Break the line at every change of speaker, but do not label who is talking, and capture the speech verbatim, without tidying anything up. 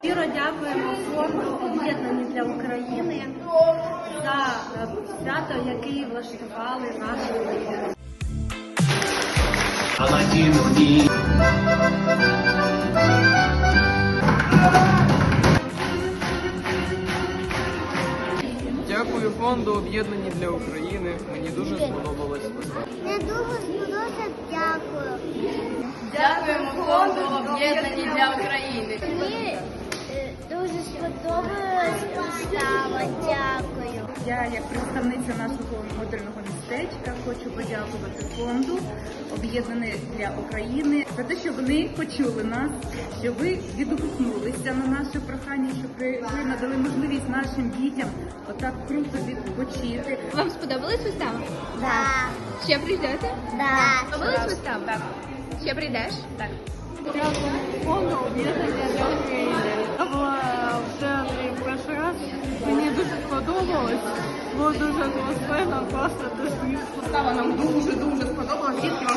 Щиро дякуємо фонду «Об'єднані для України» за свято, яке влаштували наші воїни.
Дякую фонду «Об'єднані для України». Мені дуже сподобалась вистава.
Я дуже сподобався, дякую.
Дякуємо фонду «Об'єднані для України».
Мені е, дуже сподобалась вистава, дякую.
Я, як представниця нашого модульного містечка, хочу подякувати фонду «Об'єднані для України» за те, що вони почули нас, що ви відгукнулися на наше прохання, що ви надали можливість нашим дітям отак круто відпочити.
Вам сподобалась вистава?
Да.
Ще прийдете?
Да.
Сподобалась вистава? Так. Ще прийдеш? Так.
Дякую фонду «Об'єднані для України». Я була в театрі перший раз. Мені дуже сподобалось. Було дуже атмосферно, просто дуже смішно.
Вистава нам дуже-дуже сподобалась. Дітки